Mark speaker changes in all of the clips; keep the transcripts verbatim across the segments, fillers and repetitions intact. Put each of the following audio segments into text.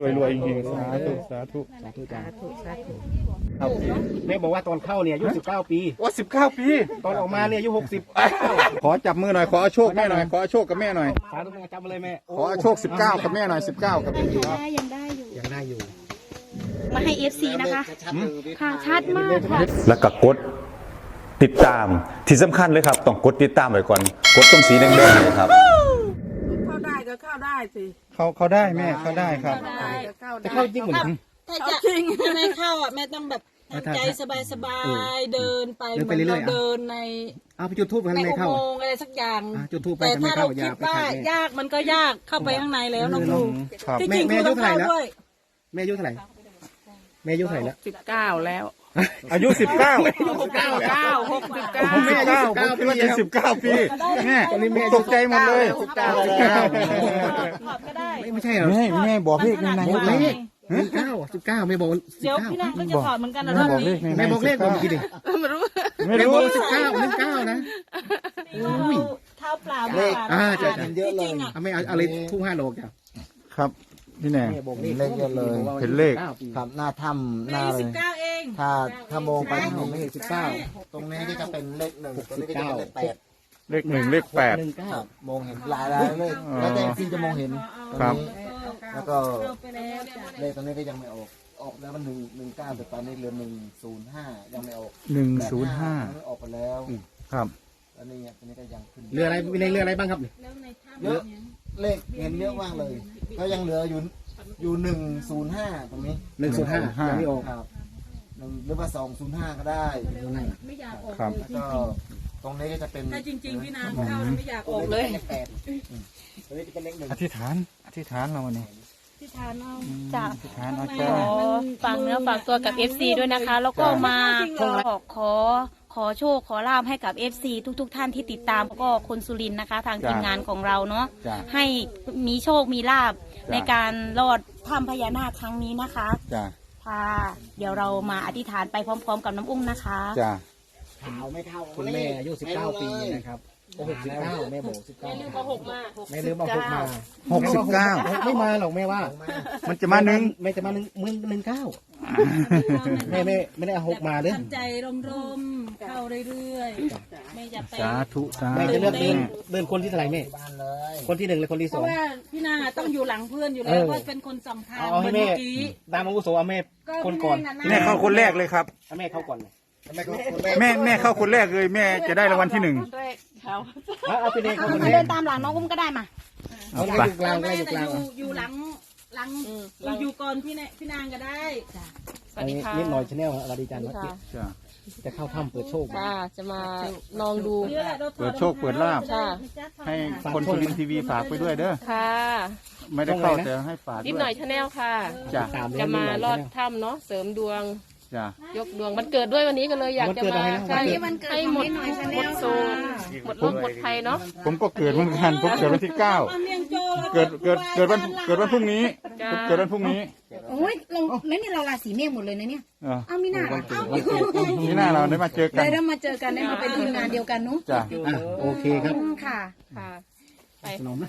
Speaker 1: รวยรวยจริงๆสาธุสาธุสาธุจ้าครับแม่บอกว่าตอนเข้าเนี่ยอายุสิบเก้าปีว่าสิบเก้าปีตอนออกมาเนี่ยอายุหกสิบขอจับมือหน่อยขอโชคแม่หน่อยขอโชคกับแม่หน่อยสาธุจับมาเลยแม่ขอโชคสิบเก้ากับแม่หน่อยสิบเก้ากับยังได้ยังได้อยู่ยังได้อยู่
Speaker 2: มาให้ เอฟ ซี นะคะค่ะชัดมากค่ะ
Speaker 3: แล้วก็กดติดตามที่สำคัญเลยครับต้องกดติดตามไว้ก่อนกดตรงสีแดงๆนะครับ
Speaker 4: เข้าได้ก็เข้าได้สิ
Speaker 1: เขาเขาได้แม่เขาได้ครับจะเข้าจริงเหมือน
Speaker 4: ถ้าจะไม่เข้าอ่ะแม่ต้องแบบใจสบายๆเดินไปเหมือนเราเดินใน
Speaker 1: เอาไปจุดทูบกันไม่เข้า
Speaker 4: อะไรสักอย่าง
Speaker 1: จุดทูบไป
Speaker 4: แต่ถ้าเราคิดว่ายากมันก็ยากเข้าไปข้างในแล้วน้องลุงที่จริงคือต้องเข้าด้วย
Speaker 1: แม่อายุเท่าไหร่แม่อายุเท่าไหร่แล้ว
Speaker 4: สิบเก้าแล้ว
Speaker 1: อายุสิบเก้า
Speaker 4: หกเก้าเก้าหกสิบเก้า
Speaker 1: แม่อายุสิบเก้าปีจะสิบเก้าปีแม่ตอนนี้แม่ตกใจหมดเลยสิบเก้า
Speaker 4: ก็ได้
Speaker 1: ไม่ใช่เหรอแม่แม่บอกเลขในในเลขหนึ่งเก้าสิบเก้าแม่บอก
Speaker 4: เดี๋ยวพี่นางก็จะถอดเหมือนกันนะ
Speaker 1: แม่บอกเลขแม่บอกเลขผมกี่ดิ
Speaker 4: ไม่รู้
Speaker 1: ไม่รู้สิบเก้าหนึ่งเก้านะ
Speaker 4: เท้าเปล่า
Speaker 1: เลขอ่าจะเยอะเลยไม่เอาอะไรทุ่งห้าโลจ้ะครับพี่แน่
Speaker 5: เลขเยอะเลย
Speaker 1: เห็นเลข
Speaker 5: ครับหน้าถ้ำหน้าเลยถ้าถ้ามองไปที่ผมไม่เห็นสิบเก้าตรงนี้ก็จะเป็นเลขหนึ่งตรงนี้ก็จะเป็นเลขแปด
Speaker 1: เลขหนึ่งเลขแปด
Speaker 5: ครับมองเห็นหลายหลายเลขแล้วแต่ที่จะมองเห็นตรงนี้แล้วก็เลขตรงนี้ก็ยังไม่ออกออกแล้วมันหนึ่งหนึ่งเก้าแต่ตอนนี้เหลือหนึ่งศูนย์ห้ายังไม่ออก
Speaker 1: หนึ่งศูนย์ห้า
Speaker 5: ออกไปแล้ว
Speaker 1: ครับ
Speaker 5: อันนี้ตรงนี้ก็ยังขึ้น
Speaker 1: เรืออะไรมีเรืออะไรบ้างครับ
Speaker 5: เยอะเลขเห็นเยอะมากเลยก็ยังเหลืออยู่อยู่หนึ่งศูนย์ห้าตรงนี้
Speaker 1: หนึ่งศูนย์ห้ายังไม่ออก
Speaker 5: ครับหรือว่าสองศูนย์ห้าก็ได้
Speaker 1: ครับ
Speaker 5: แล้วก็ตรงนี้ก็จะเป็น
Speaker 4: ถ้าจริงๆพี่นางเข้าไม่อยากออกเลย
Speaker 5: ตรงนี้จะเป็นเลขหนึ่ง
Speaker 1: อธิษฐานอธิษฐานเราวันนี้
Speaker 4: อธิษฐานเอา
Speaker 2: จ้ะ
Speaker 1: อธิษฐานเอาจ้า
Speaker 2: ฝากเนื้อฝากตัวกับ เอฟ ซี ด้วยนะคะแล้วก็มาขอขอขอโชคขอลาภให้กับ เอฟ ซี ทุกๆท่านที่ติดตามแล้วก็คนสุรินทร์นะคะทางทีมงานของเราเนาะให้มีโชคมีลาภในการรอดถ้ำพญานาคครั้งนี้นะคะ
Speaker 1: จ้า
Speaker 2: ค่ะเดี๋ยวเรามาอธิษฐานไปพร้อมๆกับน้ำอุ้มนะคะ
Speaker 1: จ้า
Speaker 5: ขาวไม่เท่า
Speaker 1: คุณแม่อายุสิบเก้าปีนะครับหกสิบเก้าแม่บอกสิบเก้า
Speaker 4: แม่ลืมเอาหกมา
Speaker 1: แม่ลืมเอาหกมาหกสิบเก้าไม่มาหรอกแม่ว่ามันจะมาหนึ่งแม่จะมาหนึ่งหนึ่งหนึ่งเก้าแม่ไม่ไม่ได้เอาหกมาเลย
Speaker 4: ทำใจร่มๆเข้าเรื่อยๆไม่จะไป
Speaker 1: สาธุสาธุแม่จะเลือกเดินเดินคนที่เท่าไหร่แม่คนที่หนึ่งหรือคนที่สอง
Speaker 4: เพราะว่าพี่นางต้องอยู่หลังเพื่อนอยู่แล้วว่าเป็นคนสำคัญ
Speaker 1: เอาให้แม่ตามอาวุโสเอาแม่คนก่อนแม่เข้าคนแรกเลยครับแม่เข้าก่อนเลยแม่แม่เข้าคนแรกเลยแม่จะได้รางวัลที่หนึ่งเอาไปเลยเขา
Speaker 2: เดินตามหลังน้องอุ้มก็ได้มา
Speaker 1: เอาไปอยู่กลางได้อยู่กลาง
Speaker 4: อยู่หลังหลังเราอยู่ก่อนพี่พี่นางก็ได้
Speaker 2: สวัสดีค่ะ
Speaker 1: นิดหน่อยชาแนลสวัสดีจันทร์จะเข้าถ้ำเปิดโชค
Speaker 2: จะมาลองดู
Speaker 1: เปิดโชคเปิดลาภให้คนสุรินทร์ทีวีฝากไปด้วยเด้อ
Speaker 2: ค่ะ
Speaker 1: ไม่ได้เข้าแต่ให้ฝาก
Speaker 2: นิดหน่อยชาแนลค่ะจะมาลอดถ้ำเนาะเสริมดวงยกดวงมันเกิดด้วยวันนี้ก็เลยอยากจะมาใช่ให้หมดหมดโซหมดโรคหมดภัยเนาะ
Speaker 1: ผมก็เกิดเหมือนกันผมเกิดวันที่เก้าเกิดเกิดเกิดวันเกิดวันพรุ่งนี้เกิดวันพรุ่งนี้
Speaker 2: โอ้ยลงนั่นนี่เราราศีเมษหมดเลยนะเนี่ยเอามีหน้าเอา
Speaker 1: มีหน้าเราได้มาเจอกัน
Speaker 2: ได้มาเจอกันได้มาเป็นทีมงานเดียวกันเนาะ
Speaker 1: จ้ะโอเคครับ
Speaker 2: ค่ะค่ะ
Speaker 1: ไปสนมนะ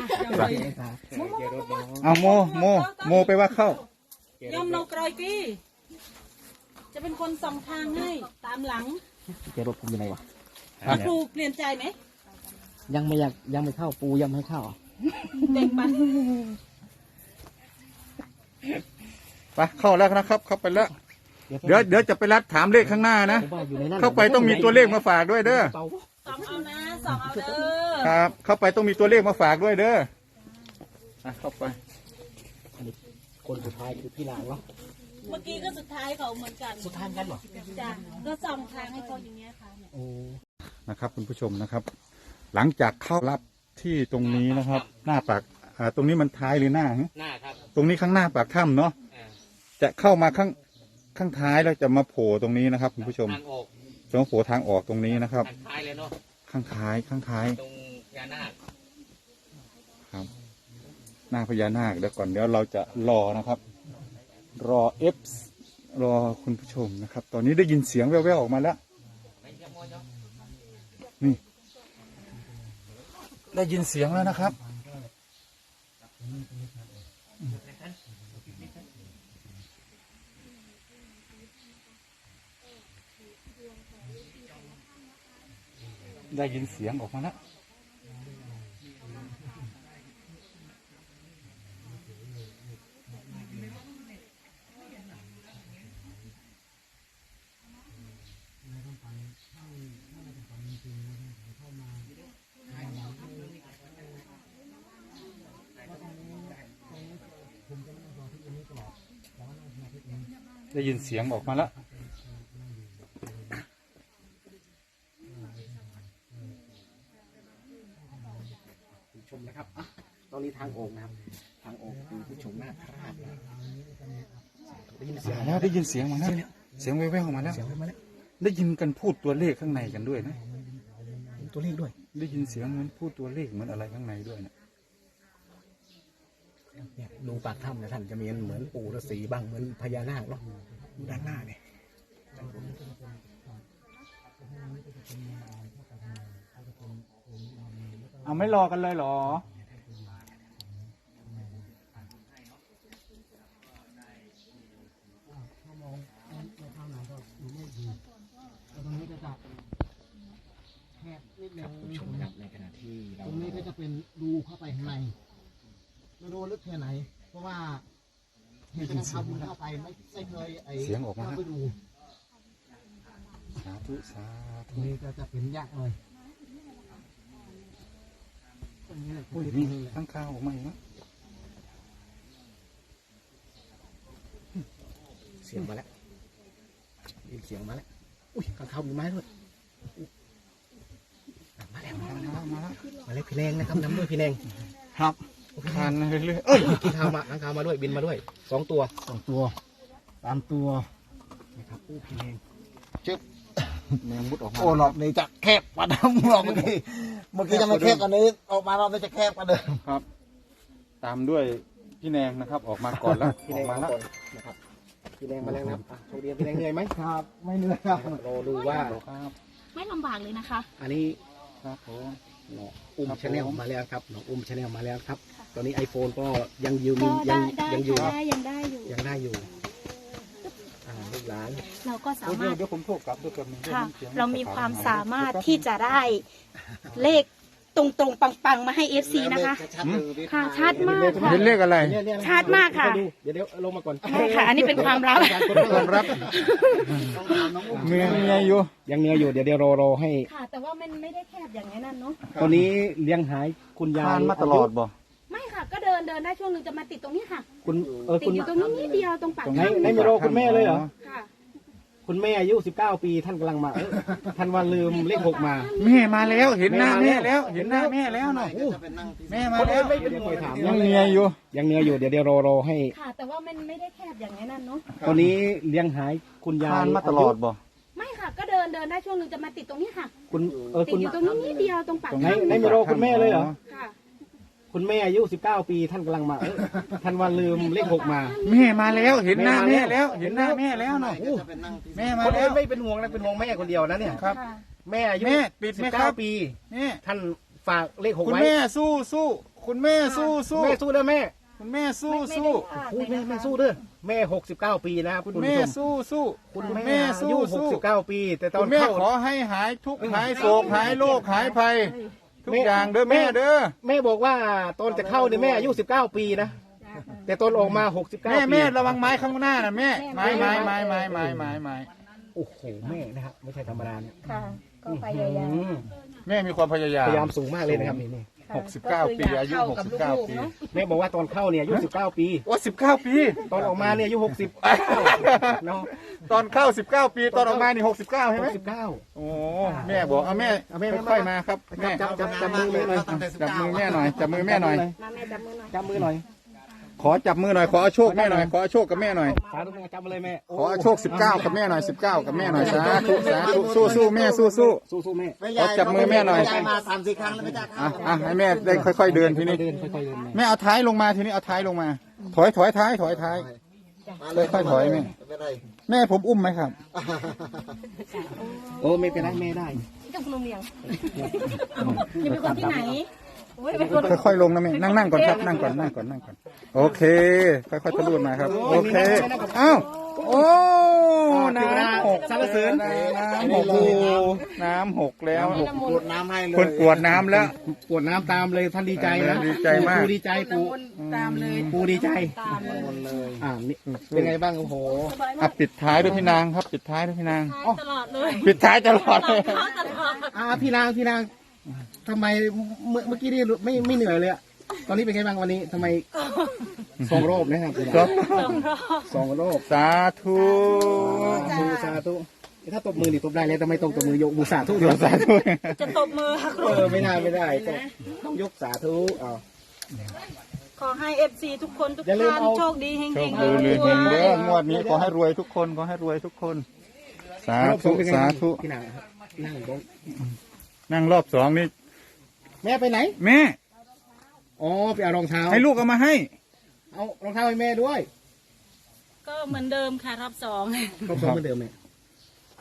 Speaker 1: เอาโมโมโมไปว่าเข้
Speaker 4: ายอมเรากรอยกี้จะเป็นคนส่องทางให้ตามหลัง
Speaker 1: เจรถผมยังไงวะ
Speaker 4: ครูเปลี่ยนใจไหม
Speaker 1: ยังไม่อยากยังไม่เข้าปูยังไม่เข้า
Speaker 4: เด็กปัน
Speaker 1: ไปเข้าแล้วนะครับเข้าไปแล้วเดี๋ยวเดี๋ยวจะไปรัดถามเลขข้างหน้านะเข้าไปต้องมีตัวเลขมาฝากด้วยเด้อ
Speaker 4: สองเอานะสองเอาเด้อ
Speaker 1: ครับเข้าไปต้องมีตัวเลขมาฝากด้วยเด้อเข้าไปคนสุดท้ายคือพี่นางเนาะ
Speaker 4: เมื่อกี้ก็สุดท้ายเขาเหมือนกัน
Speaker 1: สุดท้ายกันเหรอ
Speaker 4: จ้ะก็ส่องทางให้เขาอย่างเงี้ยค่ะเนี่ย
Speaker 1: โอ้นะครับคุณผู้ชมนะครับหลังจากเข้ารับที่ตรงนี้นะครับหน้าปากอ่าตรงนี้มันท้ายหรือหน้า
Speaker 5: หน้าครับ
Speaker 1: ตรงนี้ข้างหน้าปากถ้ำเนาะจะเข้ามาข้างข้างท้ายแล้วจะมาโผล่ตรงนี้นะครับคุณผู้ชมจะมาโผล่ทางออกตรงนี้นะครับ
Speaker 5: ข้างท้ายเลยเนาะ
Speaker 1: ข้างท้ายข้างท้าย
Speaker 5: ตรงพญานาค
Speaker 1: ครับหน้าพญานาคเดี๋ยวก่อนเดี๋ยวเราจะรอนะครับรอเอฟรอคุณผู้ชมนะครับตอนนี้ได้ยินเสียงแว่วๆออกมาแล้วนี่ได้ยินเสียงแล้วนะครับได้ยินเสียงออกมาแล้วได้ยินเสียงออกมาแล้ว
Speaker 5: ชมนะครับอ่ะตอนนี้ทางโอ่งนะครับทางโอ่งคือผู้ชมนาคราชได้ยินเสียง
Speaker 1: แล้วได้ยินเสียงมาแล้วเสียงแว่วๆออกมาแล้ว
Speaker 5: เสียงมาแล้ว
Speaker 1: ได้ยินกันพูดตัวเลขข้างในกันด้วยนะ
Speaker 5: ตัวเลขด้วย
Speaker 1: ได้ยินเสียงเหมือนพูดตัวเลขเหมือนอะไรข้างในด้วยนะ
Speaker 5: เนี่ยดูปากถ้ำเนี่ยท่านจะมีเหมือนปู่ฤาษีบ้างเหมือนพญานาคเนาะดูด้านหน้าเนี่ย
Speaker 1: เอาไม่รอกันเลยเหรอ
Speaker 5: ชมครับในขณะที่เรา
Speaker 6: ตรงนี้ก็จะเป็นรูเข้าไปข้างในไม่รู้ลึกแค่ไหน เพราะว่าเห็นทำบุญเข้าไปไม่ไม่เคยไอ้
Speaker 1: เสียงออกมา
Speaker 6: เข้าไปดู
Speaker 1: สาธุสา
Speaker 6: ตร
Speaker 1: ธุ
Speaker 6: งนี้ก็จะเป็นยากเลยตรงนี้แหละ
Speaker 1: อุ้ยมีข้างข้าวออกมาอีกนะ
Speaker 5: เสียงมาแล้วยินเสียงมาแล้วอุ้ยข้างเขามีไม้ด้วยมาแล้วมาแล้ว
Speaker 1: มาแล้ว
Speaker 5: มาแล้วพี่แนงนะครับนำด้วยพี่แนง
Speaker 1: ครับทานเรื่อยๆเอ้ย
Speaker 5: กินข้าวมาข้างเขามาด้วยบินมาด้วยสองตัว
Speaker 6: สองตัวสามตัว
Speaker 5: นะครับอู้พี่แนง
Speaker 1: แมงมุดออกมา
Speaker 6: โอ้รอบนี้จะแคบกว่าเดิมรอบเมื่อกี้เมื่อกี้จะไม่แคบกว่านี้ออกมารอบนี้จะแคบกว่าเดิม
Speaker 1: ครับ ตามด้วยพี่แนงนะครับ ออกมาก่อนแล้ว
Speaker 5: พี่
Speaker 1: อ
Speaker 5: แน
Speaker 1: อง กมา
Speaker 5: มา
Speaker 1: แล้ว
Speaker 5: ก่อนนะครับพี่แนงมาแล้วนะครับอ่ะโชคดีพี่แนงเหนื่อยไหม
Speaker 6: ครับ ไม่เหนื่อยครับ
Speaker 5: รอดูว่า
Speaker 1: ครับ
Speaker 2: ไม่ลำบากเลยนะคะ
Speaker 5: อันนี้
Speaker 1: ครับผม
Speaker 5: น้องอุ้ม
Speaker 1: ครับผม
Speaker 5: ชาแนลมาแล้วครับน้องอุ้มชาแนลมาแล้วครับ ตอนนี้ iPhone ก็ยังยืม
Speaker 2: ก็
Speaker 5: ยั
Speaker 2: ได้
Speaker 5: ง
Speaker 2: ได้
Speaker 5: ยังอยู่
Speaker 2: ค่ะได้ยังได้อยู่
Speaker 5: ยังได้อยู่อ่าลูกหลาน
Speaker 2: เราก็สา
Speaker 1: เดี๋
Speaker 2: มาร
Speaker 1: ยว
Speaker 2: ถ
Speaker 1: เดี๋ยวผมโทรกลับด้วยกันง
Speaker 2: ค่ะ
Speaker 1: สียง
Speaker 2: เรามีความสามารถที่
Speaker 1: จะ
Speaker 2: จะได้เลขตรงตรงๆปังๆ มาให้ เอฟ ซี นะคะ ค่ะชัดมากค่ะ
Speaker 1: เห็นเลขอะไร
Speaker 5: เนี่ยเนี่ย
Speaker 2: ชัดมากค่ะ
Speaker 5: ดูเดี๋ยวเดี๋ยวลงมาก่อน
Speaker 2: ใช่ค่ะ อันนี้เป็นความลับ
Speaker 1: ความรับเมียเมียอยู่
Speaker 5: ยังเหนื่อยอยู่เดี๋ยวเดี๋ยวรอรอให้
Speaker 2: ค่ะ แต่ว่ามันไม่ได้แคบอย่างนั้นเนาะ
Speaker 5: ตอนนี้เลี้ยงหายคุณยาย
Speaker 1: ทานมาตลอดบ่
Speaker 2: ไม่ค่ะ ก็เดินเดินได้ช่วงหนึ่งจะมาติดตรงนี้ค่ะ
Speaker 5: คุณเออ
Speaker 2: ติ
Speaker 5: คุ
Speaker 2: ด
Speaker 5: ณ
Speaker 2: อยู่ตรงนี้นิดเดียวตรงปาก
Speaker 5: ไหน
Speaker 2: ถ้ำ
Speaker 5: ไหนไม่รอคุณแม่เลยเหรอ
Speaker 2: ค่ะ
Speaker 5: คุณแม่อายุสิบเก้าปีท่านกำลังมาเอ้ยท่านว่าลืมเลขหกมา
Speaker 1: แม่มาแล้วเห็นหน้าแม่แล้ว เห็นหน้าแม่แล้วเนาะแม่มาแล้ว
Speaker 5: ไม่เป็นห่วงถาม
Speaker 1: ยังเมียอยู่
Speaker 5: ยังเหนื่อยอยู่เดี๋ยวเดี๋ยวรอรอให้
Speaker 2: ค่ะ แต่ว่ามันไม่ได้แคบอย่างนั้นเนาะ
Speaker 5: ตอนนี้เลี้ยงหายคุณยาย
Speaker 1: ทานมาตลอดบ่
Speaker 2: ไม่ค่ะ ก็เดินเดินได้ช่วงหนึ่งจะมาติดตรงนี้ค่ะ
Speaker 5: คุณเออ
Speaker 2: ติ
Speaker 5: คุ
Speaker 2: ด
Speaker 5: ณ
Speaker 2: อยู่ตรงนี้นิดเดียวตรงปาก
Speaker 1: ตรง
Speaker 5: ไหน
Speaker 1: นี้
Speaker 5: ไหนไม่รอคุณแม่เลยเหรอ
Speaker 2: ค่ะ
Speaker 5: คุณแม่อายุสิบเก้าปีท่านกำลังมาเอ้ยท่านว่าลืมเลขหกมา
Speaker 1: แม่มาแล้วเห็นหน้าแม่แล้ว เห็นหน้าแม่แล้วเนาะแม่มา
Speaker 5: คน
Speaker 1: แล้
Speaker 5: อื่
Speaker 1: วน
Speaker 5: ไม่เป็นห่วงนะเป็นห่วงแม่คนเดียวนะเนี่ย
Speaker 1: ครับ
Speaker 2: ค่ะ
Speaker 5: แม่อายุ
Speaker 1: แม่ปิดไหม
Speaker 5: สิบ
Speaker 1: ครั
Speaker 5: เก้า
Speaker 1: บ
Speaker 5: ปี
Speaker 1: แม่
Speaker 5: ท่านฝากเลขหก
Speaker 1: คุณ
Speaker 5: ไว้
Speaker 1: แม่สู้สู้คุณแม่สู้สู้
Speaker 5: แม่สู้เด้อแม่
Speaker 1: คุณแม่สู้
Speaker 2: ไม่
Speaker 1: สู้
Speaker 2: ไม่ได้
Speaker 5: โอ้ยแม่แม่สู้เด้อแม่หกสิบเก้าปีนะครับ
Speaker 1: คุณ
Speaker 5: คุณ
Speaker 1: แม่
Speaker 5: ผู้ชม
Speaker 1: สู้สู้
Speaker 5: คุณ
Speaker 1: คุณ
Speaker 5: แม่
Speaker 1: แม่
Speaker 5: อา
Speaker 1: สู้
Speaker 5: ยุหก
Speaker 1: สู้
Speaker 5: สิบเก้าปี แต่ตอ
Speaker 1: คุ
Speaker 5: น
Speaker 1: ณแม่
Speaker 5: เข้า
Speaker 1: ขอให้หายทุกข์หายโศกหายโรคหายภัย ทุกอย่างเด้อ
Speaker 5: แม่
Speaker 1: แม่เด้อ
Speaker 5: แม่บอกว่าตอนจะเข้าเนี่ยแม่อายุสิบเก้าปีนะแต่ตอนออกมาหกสิบเก้า
Speaker 1: แม่
Speaker 5: ปี
Speaker 1: แม่ระวังไม้ข้างหน้านะแม่ไม้ไม้ไม้ไม้ไม้ไม้ไม้
Speaker 5: โอ้โหแม่นะครับไม่ใช่ธรรมดาเนี่ย
Speaker 2: ค่ะ ก็พยายาม
Speaker 5: อืม
Speaker 1: แม่มีความพยายาม
Speaker 5: พยายามสูงมากเลยนะครับนี่นี่
Speaker 1: หกสิบเก้าปีอายุหกสิบเก้าปี
Speaker 5: แม่บอกว่าตอนเข้าเนี่ยอายุสิบเก้าปี
Speaker 1: ว่าสิบเก้าปี
Speaker 5: ตอนออกมาเนี่ยอายุหกสิบเนาะ
Speaker 1: ตอนเข้าสิบเก้าปีตอนออกมานี่หกสิบเก้าใช่ไหม
Speaker 5: สิบเก้า
Speaker 1: โอ้แม่บอกเอาแม่
Speaker 5: เอาแม่
Speaker 1: ค่อยๆมาครับแม่
Speaker 5: จับจับจับมือแม่หน่อย
Speaker 1: จับมือแม่หน่อยจับมือแม่หน่อย
Speaker 2: มาแม่จับมือหน่อย
Speaker 5: จับมือหน่อย
Speaker 1: ขอจับมือหน่อยขอเอาโชคแม่หน่อยขอเอาโชคกับแม่หน่อย
Speaker 5: สาธุแม่จับมาเลยแม่
Speaker 1: ขอเอาโชคสิบเก้ากับแม่หน่อยสิบเก้ากับแม่หน่อยสาธุสาธุสู้สู้แม่สู้สู้
Speaker 5: สู้สู้แม่
Speaker 1: ขอจับมือแม่หน่อย
Speaker 6: ยายมาสามสี่ครั้งแล้วไม่ได้
Speaker 1: อ่ะอ่ะให้แม่ได้ค่อย ๆเดินทีนี้
Speaker 5: เดินค่อยๆเดินแม่
Speaker 1: แม่เอาท้ายลงมาทีนี้เอาท้ายลงมา ถอยถอยท้ายถอยท้าย ค่อยๆถอยแม่
Speaker 6: ไม่ได้
Speaker 1: แม่ผมอุ้มไหมครับ
Speaker 5: โอ้ไม่เป็นไรแม่ได้
Speaker 2: กับคุณลุงเลียงจะเป็นคนที่ไหนโอ้ยเป็นคน
Speaker 1: ค่อยๆลงนะแม่นั่งนั่งก่อนครับนั่งก่อนนั่งก่อนนั่งก่อนโอเค ค่อยๆทะลุมาครับ โอเคอ้าว
Speaker 3: โอ้
Speaker 1: เทวดา
Speaker 3: น้ำหก
Speaker 1: สรรเสริญ
Speaker 3: น้ำหกโอ้น้ำหกแล้ว
Speaker 5: กรวดน้ำให้เลย
Speaker 3: คนกรวดน้ำแล้ว
Speaker 1: กวดน้ำตามเลยท่านดีใจนะ
Speaker 3: ดีใจมาก
Speaker 1: ปูดีใจปู
Speaker 4: ตามเลย
Speaker 1: ปูดีใจ
Speaker 5: หมดเลย
Speaker 1: อ่านี่เป็นไงบ้างโอ้โห
Speaker 3: อ่ะปิดท้ายด้วยพี่นางครับ ปิดท้ายด้วยพี่นาง
Speaker 4: ตลอดเลย
Speaker 3: ปิดท้ายตลอดเลย
Speaker 4: ตลอด
Speaker 1: อ่าพี่นางพี่นางทำไมเมื่อเมื่อกี้นี่ไม่ไม่เหนื่อยเลยอะตอนนี้เป็นไงบ้างวันนี้ทำไมสองรอบนะครับ
Speaker 3: ครับ
Speaker 1: สองรอบ
Speaker 3: สาธุ
Speaker 1: สาธุสาธุถ้าตบมือนี่ตบได้แล้วแต่ไม่ต้องตบมือยกมือสาธุ
Speaker 3: เดี๋ยวสาธุ
Speaker 4: จะตบมือค่ะครู
Speaker 1: เออไม่ได้ไม่ได้ก็ต้องยกสาธุเอา
Speaker 4: ขอให้เอฟซีทุกคนทุก
Speaker 1: อย่าลืม
Speaker 4: ท่าน
Speaker 1: เอา
Speaker 4: โชคดีเฮง
Speaker 3: โช
Speaker 4: ๆ
Speaker 3: คดีเลยเฮงเด้องวดนี้ขอให้รวยทุกคนขอให้รวยทุกคน สาร
Speaker 1: อบส
Speaker 3: ธุ
Speaker 1: องเป็นไง
Speaker 3: สาธุ
Speaker 1: พี่นางครับนั่งลง
Speaker 3: นั่งรอบสองนี่
Speaker 1: แม่ไปไหน
Speaker 3: แม่
Speaker 1: อ๋อไปเอารองเท้า
Speaker 3: ให้ลูกเอามาให้
Speaker 1: เอารองเท้าให้แม่ด้วย
Speaker 4: ก็เหมือนเดิมค่ะรอบสอง
Speaker 1: รอบสองเหมือนเดิมไหม
Speaker 4: ก็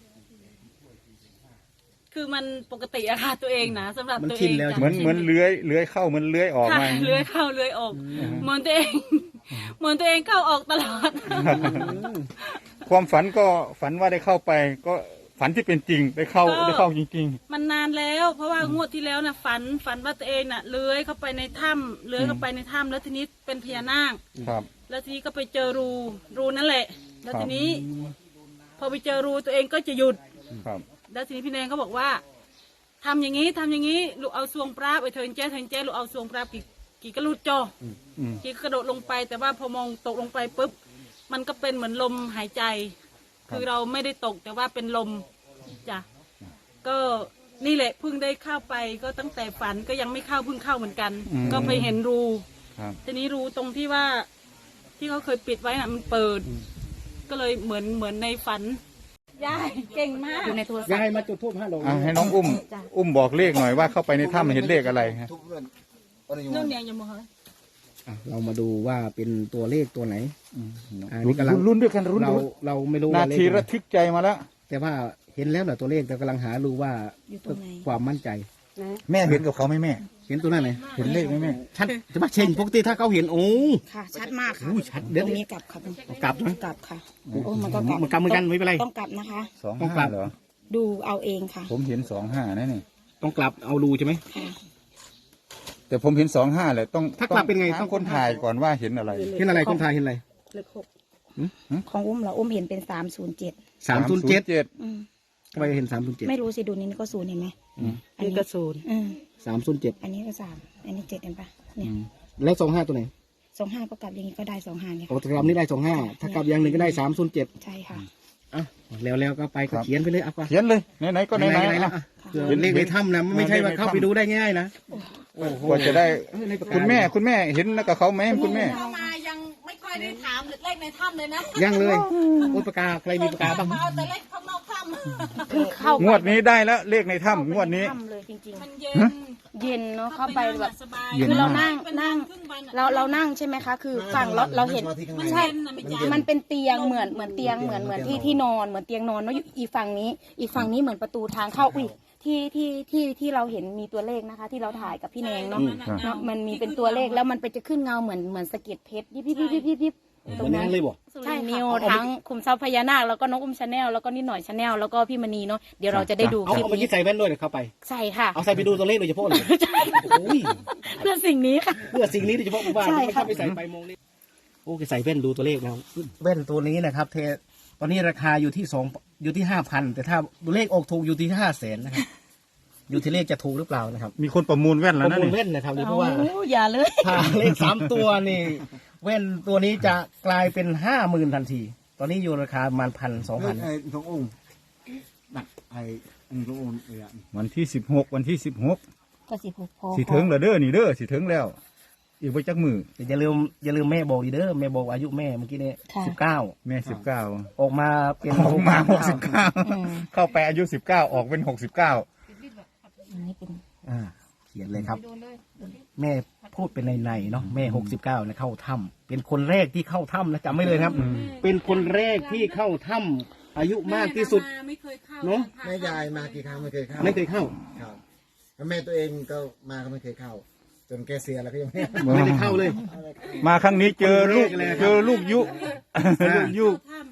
Speaker 4: คือมันปกติอะค่ะตัวเองนะสำหรับ
Speaker 1: มัน
Speaker 4: ตัว
Speaker 1: ชิ
Speaker 4: เอน ง
Speaker 1: แล้ว
Speaker 4: จ้ะ
Speaker 3: เหมือนเหมือนเลื้อยเลื้อยเข้าเหมือนเลื้อยออก
Speaker 4: ค่ะ
Speaker 3: มา
Speaker 4: เลื้อยเข้าเลื้อยออก เหมือนตัวเอง เหมือนตัวเองเข้าออกตลอด
Speaker 3: ความฝันก็ฝันว่าได้เข้าไป ก็ฝันที่เป็นจริงได้เข้า
Speaker 4: ก็
Speaker 3: ได้เข้าจริง
Speaker 4: มันนานแล้ว เพราะว่างวดที่แล้วน่ะฝันฝันว่าตัวเองน่ะเลื้อยเข้าไปในถ้ำเลื้อยเข้าไปในถ้ำแล้วทีนี้เป็นพญานาค
Speaker 3: ๆ ครับ
Speaker 4: แล้วทีนี้ก็ไปเจอรูรูนั่นแหละ แล้ว
Speaker 3: ครับ
Speaker 4: ทีนี้ พอไปเจอรูตัวเองก็จะหยุด
Speaker 3: ครับ
Speaker 4: แล้วทีนี้พี่แนงเขาบอกว่าทำอย่างนี้ทำอย่างนี้ลูกเอาซวงปลาไปเทินแจ้เทินแจ้ลูกเอาซวงปลากี่กี่กระลุดจอ
Speaker 3: อืม
Speaker 4: กี่กระโดดลงไป แต่ว่าพอมองตกลงไปปุ๊บมันก็เป็นเหมือนลมหายใจ คือเราไม่ได้ตกแต่ว่าเป็นลมจ้ะก็นี่แหละเพิ่งได้เข้าไปก็ตั้งแต่ฝันก็ยังไม่เข้าเพิ่งเข้าเหมือนกัน
Speaker 3: อืม
Speaker 4: ก็ไปเห็นรู
Speaker 3: ครับ
Speaker 4: ทีนี้รูตรงที่ว่าที่เขาเคยปิดไว้น่ะมันเปิด ก็เลยเหมือนเหมือนในฝันยายเก่งมาก
Speaker 2: อยู่ในโทรศัพ
Speaker 1: ยาย
Speaker 2: ท์
Speaker 1: มาจุดทูบห้าดอก
Speaker 3: อ่ะให้น้องอุ้ม อุ้มบอกเลขหน่อยว่าเข้าไปในถ้ำเห็นเลขอะไรฮะ
Speaker 5: ทุกเรื่องวันนี้
Speaker 4: เรื่องเนี้ยยังไม่เคย
Speaker 1: อ่ะเรามาดูว่าเป็นตัวเลขตัวไหน อ่านี่
Speaker 3: รุ่น
Speaker 1: กำลัง
Speaker 3: รุ่นด้วยกันรุ่น
Speaker 1: เรา
Speaker 3: ด้วย
Speaker 1: เราไม่รู้
Speaker 3: นา
Speaker 1: ว่าเลข
Speaker 3: ที
Speaker 1: อะไร
Speaker 3: ระทึกใจมาแล้ว
Speaker 1: แต่ว่าเห็นแล้วเหรอตัวเลขแต่กำลังหารู้ว่า
Speaker 2: อยู่ตรงไหน
Speaker 1: ความมั่นใจ
Speaker 3: แม่เห็นกับเขาไหมแม่
Speaker 1: เห็นตัวนั้นไหน
Speaker 3: เห็นเลขไหมแม่
Speaker 1: ชัดจะมาเชงปกติถ้าเขาเห็นโอ้
Speaker 2: ค่ะ ชัดมากค่ะ
Speaker 1: อู้ชัดเดี๋ยว
Speaker 2: ตรงนี้กลับค่ะ
Speaker 1: กลับนะ
Speaker 2: กลับค่ะโอ้มันก็กลับ
Speaker 1: มันกลับเหมือนกันไม่เป็นไร
Speaker 2: ต้องกลับนะคะ
Speaker 3: สอง
Speaker 1: ต้องกลั
Speaker 3: ห้า
Speaker 1: บ
Speaker 3: เหรอ
Speaker 2: ดูเอาเองค่ะ
Speaker 3: ผมเห็นสองห้านะนี่
Speaker 1: ต้องกลับเอารูใช่ไหม
Speaker 2: ค่ะ
Speaker 3: แต่ผมเห็นสองห้าเลยต้อง
Speaker 1: ถ้ากลับเป็นไง
Speaker 3: ต้องคนถ่ายก่อนว่าเห็นอะไร
Speaker 1: เห็นอะไรคนทายเห็นอะไร
Speaker 2: เลขหกของอุ้มเหรออุ้มเห็นเป็นสามศูนย์เจ็ด
Speaker 1: สามศูนย์เจ็ด
Speaker 3: เจ็ด
Speaker 1: ทำไมเห็นสามศูนย์เจ็ด
Speaker 2: ไม่รู้สิดูนี่ก็ศูนย์เห็นไหมอันนี้ก็ศูนย์
Speaker 1: สามศูนย์เจ็ด
Speaker 2: อันนี้ก็สามอันนี้เจ็ดเห็นปะเนี่ย
Speaker 1: แล้วสองห้าตัวไหน
Speaker 2: สองห้าก็กลับอย่างนี้ก็ได้สองห้าเนี่ย
Speaker 1: โอ้กลับนี่ได้สองห้าถ้ากลับอย่างหนึ่งก็ได้สามศูนย์เจ็ด
Speaker 2: ใช่ค่ะ
Speaker 1: อ่ะแล้วแล้วก็ไปก็เขียนไปเลยอ่ะป่ะ
Speaker 3: เขียนเลยไหนๆก็ไหน
Speaker 1: ไหน
Speaker 3: ๆ
Speaker 1: ๆ
Speaker 3: อ่ะ
Speaker 1: แล้วอ่ะเผื่อเลขในถ้ำนะไม่ใช่ว่าเข้าไปดูได้ง่ายนะ
Speaker 3: กว่าจะได้
Speaker 1: เออในปากกา
Speaker 3: คุณแม่คุณแม่เห็นแล้วกับเขาไหมคุณแม่
Speaker 4: เข้ามายังไม่ค่อยได้ถามเลขในถ้ำเลยนะ
Speaker 1: ยังเลยโอ้ยปากกาใครมีปากกาบ้าง
Speaker 4: เอาแต่เลขข้างนอกถ้ำ
Speaker 2: คือเข้าง
Speaker 3: วดนี้ได้แล้วเลขในถ้ำงวดนี้
Speaker 2: ถ้ำเลยจริง
Speaker 4: มันเย็น
Speaker 2: ๆ เย็นเนาะเข้าไปแบบ
Speaker 4: สบาย
Speaker 2: คือเรานั่ง
Speaker 4: เป็
Speaker 2: นั่ง
Speaker 4: ครึ่วันอะ
Speaker 2: เราเรานั่งใช่ไหมคะ คือฝั่งเราเราเห็น
Speaker 4: มันเย็นนะไม่จ้า
Speaker 2: มันเป็นเตียงเหมือนเหมือนเตียงเหมือนเหมือนที่ที่นอนเหมือนเตียงนอนเนาะอยู่อีกฝั่งนี้ อีกฝั่งนี้เหมือนประตูทางเข้าอุ้ยที่ที่ที่ที่เราเห็นมีตัวเลขนะคะ ที่เราถ่ายกับพี่แนงเนาะ
Speaker 3: อืมครับ
Speaker 2: เนาะมันมีเป็นตัวเลขแล้วมันไปจะขึ้นเงาเหมือนเหมือนสะเก็ดเพชรยิบยิบยิบยิบยิบยิบ
Speaker 1: ตรงนั้นเลยบ่
Speaker 2: ใช่นิวทั้งคุมทรัพย์พญานาคแล้วก็น้องอุ้มชาแนลแล้วก็นิดหน่อยชาแนลแล้วก็พี่มณีเนาะเดี๋ยวเราจะได้ดู
Speaker 1: เอา
Speaker 2: คลิป
Speaker 1: เอาเมื่อกี้
Speaker 2: นี้
Speaker 1: ใส่แว่นด้วยเดี๋ยวเข้าไป
Speaker 2: ใช่ค่ะ
Speaker 1: เอาใส่ไปดูตัวเลขโดยเฉพาะเลยโอ้ย
Speaker 2: เพื่อสิ่งนี้ค่ะ
Speaker 1: เพื่อสิ่งนี้โดยเฉพาะผมว่า
Speaker 2: ใช่
Speaker 1: ไม่
Speaker 2: ค่ะ
Speaker 1: เข้าไปใส่ไปมองเลขโอ้ใส่แว่นดูตัวเลขนะครับแว่นตัวนี้นะครับ เทตอนนี้ราคาอยู่ที่สองอยู่ที่ห้าพันแต่ถ้าตัวเลขออกถูกอยู่ที่ห้าแสนนะครับอยู่ที่เลขจะถูกหรือเปล่านะครับ
Speaker 3: มีคนประมูลแว่น
Speaker 1: ป
Speaker 3: แล้ว
Speaker 1: ระ
Speaker 3: นะ
Speaker 1: มูล
Speaker 3: นี่
Speaker 1: แว่นนะครับนี่เพ
Speaker 2: โอ้
Speaker 1: ราะว่า
Speaker 2: อย่าเลย
Speaker 1: ถ้าเลขสามตัวนี่แว่นตัวนี้จะกลายเป็นห้าหมื่นทันที ตอนนี้อยู่ราคาประมาณพันสองพัน
Speaker 5: ไอ้ทององค์หนักไอ้อันทององค์เออ
Speaker 3: วันที่สิบหกวันที่สิบหก
Speaker 2: ก็สิบหกพอ
Speaker 3: สิถึงแล้วเด้อนี่เด้อสิถึงแล้ว อีกไปจักมือ
Speaker 1: อย่าลืมอย่าลืมแม่บอกดีเด้อแม่บอกอายุแม่เมื่อกี้นี้สิบเก้า
Speaker 3: แม่สิบเก้า
Speaker 1: ออกมาเป็น
Speaker 3: ออกมาหกสิบเก้าเข้าไปอายุสิบเก้าออกเป็นหกสิบเก้า
Speaker 2: อันนี้เป็น
Speaker 1: อ่าเขียนเลยครับ แม่พูดเป็นในในๆเนาะแม่หกสิบเก้านะเข้าถ้ำเป็นคนแรกที่เข้าถ้ำนะจำไม่เลยครับ เป็นคนแรกที่เข้าถ้ำอายุมากที่สุด
Speaker 4: แม่ไม่เคยเข้า
Speaker 1: เนอะ
Speaker 5: แม่ยายมากี่ครั้งไม่เคยเข้า
Speaker 1: ไม่เคยเข้า
Speaker 5: ครับแล้วแม่ตัวเองก็มาก็ไม่เคยเข้า จนแกเสียแล้วก็ยังไม่
Speaker 1: ไม่ได้เข้าเลย
Speaker 3: มาครั้งนี้เจอลูก
Speaker 1: คนแรกเลยครับ
Speaker 3: เจอลูกยุ ลูกยุ
Speaker 4: ถ้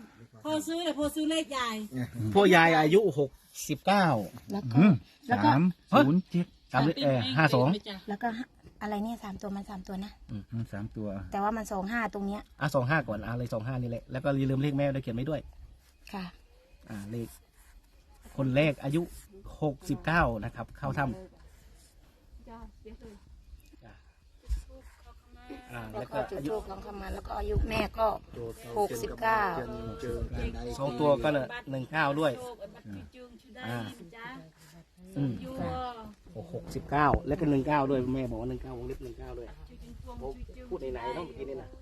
Speaker 4: ซื้อเลยพอซื้อเลขใหญ่
Speaker 1: พ่อยายอายุหกสิบเก้า
Speaker 2: แล้วก็แล้วก็
Speaker 1: สามศูนย์เจ็ดสามเออห้าสอง
Speaker 2: แล้วก็อะไรเนี่ยสามตัวมันสามตัวนะ
Speaker 1: สามตัว
Speaker 2: แต่ว่ามันสองห้าตรงเนี้ย
Speaker 1: อ่ะสองห้าก่อนอ่ะเลยสองห้านี่แหละแล้วก็อย่าลืมเลขแม่ด้วยเขียนไว้ด้วย
Speaker 2: ค่ะ
Speaker 1: อ่าเลขคนแรกอายุหกสิบเก้านะครับ เข้าถ้ำอ่า
Speaker 2: แล้
Speaker 1: แล้ว ว
Speaker 2: ก็
Speaker 1: ก็
Speaker 2: จุด
Speaker 1: อายุ
Speaker 2: ทูบลองคำมาแล้วก็อายุแม่ก็หกสิบเก้า
Speaker 1: สองตัวก็เนี่ยหนึ่งเก้าด้วยอ่าอืมหกสิบเก้าแล้วก็หนึ่งเก้าด้วยแม่บอกว่าหนึ่งเก้าวงเล็บหนึ่งเก้าด้วยผมพูดในไหนๆเนาะเมื่อกี้นี่นะ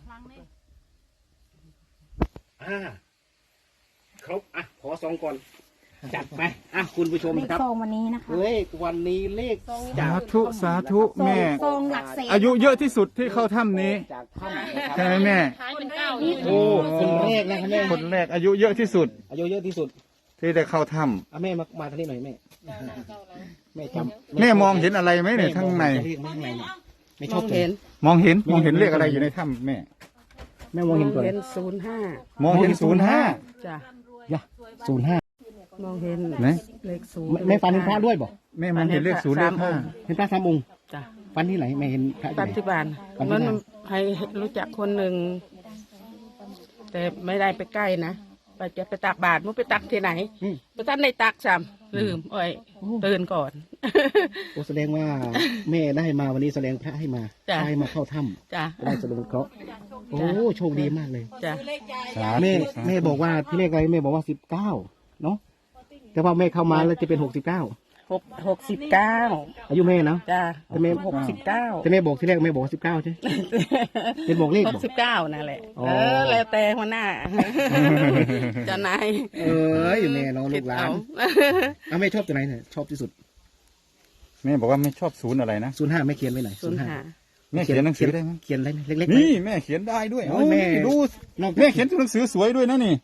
Speaker 1: อ่าครบอ่ะขอสองก่อนจัดไปอ่ะคุณผู้ชม
Speaker 2: เลข
Speaker 1: ครับ
Speaker 2: ซองวันนี้นะคะ
Speaker 1: เลขวันนี้เลข
Speaker 3: สาธุสาธุแม่
Speaker 2: ซองหลักแสน
Speaker 3: อายุเยอะที่สุดที่เข้าถ้ำนี้
Speaker 1: จากถ้ำนะครับ
Speaker 3: ใช่ไหมแม่
Speaker 1: โอ้คนแรกนะครับแม่
Speaker 3: คนแรกอายุเยอะที่สุด
Speaker 1: อายุเยอะที่สุด
Speaker 3: ที่ได้เข้าถ้
Speaker 1: อ่ะแม่มามาทางนี้หน่อยแม่แม่จำ
Speaker 3: ำแม่มองเห็นอะไรไหมเนี่ยข้างใน
Speaker 1: เลขข้างในเนี่ยไม่ชอบเห็น
Speaker 3: มองเห็นมองเห็นเลขอะไรอยู่ในถ้ำแม่
Speaker 1: แม่มองเห็นก่อน
Speaker 7: เห็นศูนย์ห้าม
Speaker 3: องเห็นศูนย์ห้า
Speaker 7: จ้ะ
Speaker 1: ยะศูนย์ห้าม
Speaker 7: องเห็น
Speaker 3: นะ
Speaker 7: เลขศูนย์
Speaker 1: แม่ฟันเห็นพระด้วยบ่
Speaker 3: แม่มองเห็นเลขศูนย์เลขห้า
Speaker 1: เห็นพระสามองค์
Speaker 7: จ้ะ
Speaker 1: ฟันที่ไหนแม่เห็นพระที่
Speaker 7: ปัจ
Speaker 1: ไหน
Speaker 7: จุบัน
Speaker 1: ปัจจุบัน
Speaker 7: มันให้รู้จักคนหนึ่ง แต่ไม่ได้ไปใกล้นะไปจะไปตักบาตรมันไปตักที่ไหนไปตักในตักซ้ำลืมโอ้ยตื่นก่อน
Speaker 1: โอ้แสดงว่าแม่ได้มาวันนี้แสดงพระให้มา
Speaker 7: จ้ะ
Speaker 1: ให้มาเข้าถ้
Speaker 7: จ้ะ
Speaker 1: ำได้แสดงเคราะห์โอ้โชคดีมากเลย
Speaker 7: จ้ะ
Speaker 3: สา
Speaker 1: แม่
Speaker 3: ธุ
Speaker 1: แม่บอกว่าที่เลขอะไรแม่บอกว่าสิบเก้าเนาะแต่ว่าแม่เข้ามาแล้วจะเป็นหกสิบเก้า
Speaker 7: หกหกสิบเก้า
Speaker 1: อายุแม่นะ
Speaker 7: จ้ะ
Speaker 1: แต่แม่
Speaker 7: หกสิบเก้า
Speaker 1: แต่แม่บอกที่แรกแม่บอกสิบเก้าใช่ เป็นบอกเลข
Speaker 7: ห
Speaker 1: บ
Speaker 7: ก
Speaker 1: อก
Speaker 7: สิบเก้านั่นแหละ
Speaker 1: อ๋อ
Speaker 7: เออแล้วแต่หัวหน้าเจ้านาย
Speaker 1: เอ้ยแม่เนาะลูกหลาน
Speaker 7: เอา
Speaker 1: เอาแม่ชอบตัวไหนเนี่ยชอบที่สุด
Speaker 3: แม่บอกว่าไม่ชอบศูนย์อะไรนะ
Speaker 1: ศูนย์ห้าแม่เขียนไว้ไหน
Speaker 7: ศูนย์ห้า
Speaker 3: แม่เขียนหนังสือได้ไหม
Speaker 1: เขียนอะไรเล็กๆไหม
Speaker 3: นี่แม่เขียนได้ด้วย
Speaker 1: โอ้ยแม่
Speaker 3: ดู
Speaker 1: นอก
Speaker 3: แม่เขียนตัวหนังสือสวยด้วยนะนี่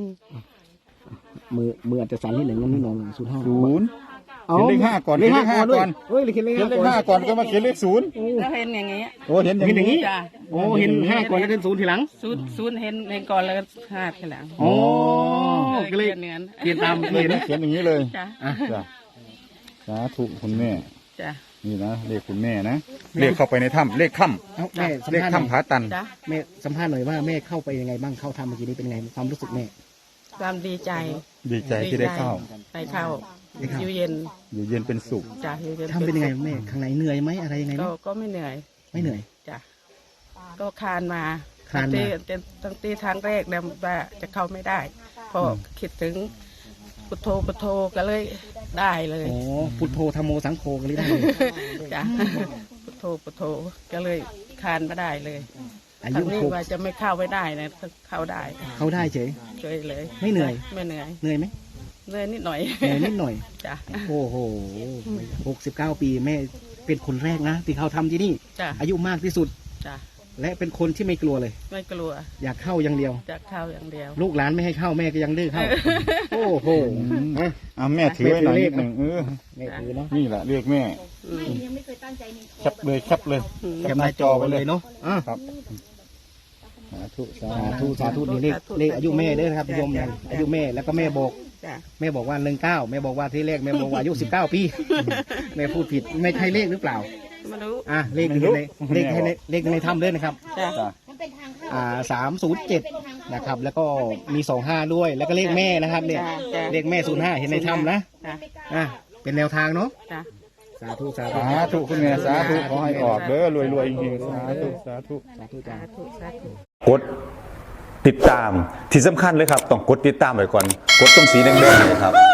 Speaker 1: มือมืออาจจะสั่นนิดหนึ่งนั่นนี่น้องศูนย์ห้า
Speaker 3: ศูนย์ เขียนเลขห้าก่อน
Speaker 1: เลขห้า
Speaker 3: เขียนเลขห้า
Speaker 1: ก่
Speaker 3: ก่
Speaker 1: อ
Speaker 3: อน น
Speaker 1: เฮ้ยเขียนเลข
Speaker 3: เขียนเลข
Speaker 1: ห้า
Speaker 3: ห้า
Speaker 1: ก่อน
Speaker 3: ก่อนก็มาเขียนเลขศูนย์
Speaker 7: แล้วเห็นอย่างเงี้ย
Speaker 3: โอ้เห็นอย่าง
Speaker 1: เห็นอย่างนี้
Speaker 3: นี้
Speaker 7: จ้ะ
Speaker 1: โอ้เห็นห้าก่อนแล้วเป็นศูนย์ทีหลัง
Speaker 7: ศูนย์ศูนย์เห็นเห็นก่อนแล้วก็ห้าทีหลัง
Speaker 1: โอ้
Speaker 7: เออ
Speaker 1: ก็เลย
Speaker 7: เขียนเงิน
Speaker 1: เขียนตาม
Speaker 3: เล
Speaker 1: เห็
Speaker 3: ข
Speaker 1: น
Speaker 3: นะเขียนอย่างนี้เลย
Speaker 7: จ้ะ
Speaker 3: จ้ะสาธุคุณแม่
Speaker 7: จ้ะ
Speaker 3: นี่นะเลขคุณแม่นะเลขเข้าไปในถ้ำเลขถ้
Speaker 1: เอ้าแม่สัม
Speaker 3: ำเลข
Speaker 1: ภาษณ์หน่
Speaker 3: ถ้ำผา
Speaker 1: อย
Speaker 3: ตัน
Speaker 7: จ้ะ
Speaker 1: แม่สัมภาษณ์หน่อยว่าแม่เข้าไปยังไงบ้างเข้าทำเมื่อกี้นี้เป็นไงความรู้สึกแม่
Speaker 7: ความดีใจ
Speaker 3: ดีใจที่ได้เข้า
Speaker 7: ไปเข้า
Speaker 1: ได้เข้า
Speaker 7: อยู่เย็น
Speaker 3: อยู่เย็นเป็นสุข
Speaker 7: จ้ะอยู่เย็น
Speaker 1: ทำเป็นยังไงแม่ข้างในเหนื่อยไหมอะไรยังไงไหม
Speaker 7: ก็ก็ไม่เหนื่อย
Speaker 1: ไม่เหนื่อย
Speaker 7: จ้ะก็คานมา
Speaker 1: คานมา
Speaker 7: ตั้งแต่ตั้งแต่ทางแรกเนี่ยว่าจะเข้าไม่ได้พอคิดถึงพุทโธพุทโธก็เลยได้เลย
Speaker 1: โอ้พุทโธธรรมโมสังโฆกันเลยได้เลย
Speaker 7: จ้ะพุทโธพุทโธก็เลยคานมาได้เลย
Speaker 1: อา
Speaker 7: ทา
Speaker 1: ยุ
Speaker 7: งนี้
Speaker 1: หก
Speaker 7: ว่าจะไม่เข้าไม่ได้นะเข้าได้
Speaker 1: เข้าได้เฉย
Speaker 7: ช่วยเลย
Speaker 1: ไม่เหนื่อย
Speaker 7: ไม่เหนื่อย
Speaker 1: เหนื่อยไหม
Speaker 7: เหนื่อยนิดหน่อย
Speaker 1: เหนื่อยนิดหน่อย
Speaker 7: จ้ะ
Speaker 1: โอ้โหหกสิบเก้าปีแม่เป็นคนแรกนะที่เขาทำที่นี่
Speaker 7: จ้ะ
Speaker 1: อายุมากที่สุด
Speaker 7: จ้ะ
Speaker 1: และเป็นคนที่ไม่กลัวเลย
Speaker 7: ไม่กลัว
Speaker 1: อยากเข้าอย่างเดียว
Speaker 7: จะเข้าอย่างเดียว
Speaker 1: ลูกหลานไม่ให้เข้าแม่ก็ยังดื้อเข้า โอ้โหอ่ะ
Speaker 3: อ่ะแม่ถือไว้หน่อย
Speaker 1: แม่
Speaker 3: นิ
Speaker 1: ถือเลข
Speaker 3: ดหนึ่งเออ
Speaker 1: แม่ถือเนาะ
Speaker 3: นี่แหละเรียกแม่
Speaker 7: อืม
Speaker 3: แคปเลยแคปเลย
Speaker 1: แคปหน้าจอไปเลยเนาะอ่ะ
Speaker 3: ครับสาธุสา
Speaker 1: สา
Speaker 3: ธุ
Speaker 1: ธุสาธุนี่เลขเลขอายุแม่เด้อนะครับโยมนะอายุแม่แล้วก็แม่บอก
Speaker 7: จ้ะ
Speaker 1: แม่บอกว่าหนึ่งเก้าแม่บอกว่าที่เลขแม่บอกว่าอายุสิบเก้าปี แม่พูดผิดไม่ใช่เลขหรือเปล่า
Speaker 7: ไม่รู้
Speaker 1: อ่ะเลขอยู่ในเลขในเลขในถ้ำด้วยนะครับ
Speaker 7: จ้ะ
Speaker 3: จ้ะ
Speaker 1: อ่าสามศูนย์เจ็ดนะครับ แล้วก็มีสองห้าด้วย แล้วก็เลขแม่นะครับเนี่ย
Speaker 7: จ้ะจ้ะ
Speaker 1: เลขแม่ศูนย์ห้าเห็นในถ้ำนะ
Speaker 7: จ้ะ
Speaker 1: อ่ะเป็นแนวทางเนาะ
Speaker 7: จ้ะ
Speaker 1: สาธุสาธุ
Speaker 3: สาธุคุณแม่สาธุขอให้ออกเด้อรวยรวยๆจริงๆสาธุสาธุ
Speaker 1: สาธุจ้า
Speaker 7: สาธุสาธุ
Speaker 3: กดติดตามที่สำคัญเลยครับ ต้องกดติดตามไว้ก่อน กดตรงสีแดงๆเลยครับ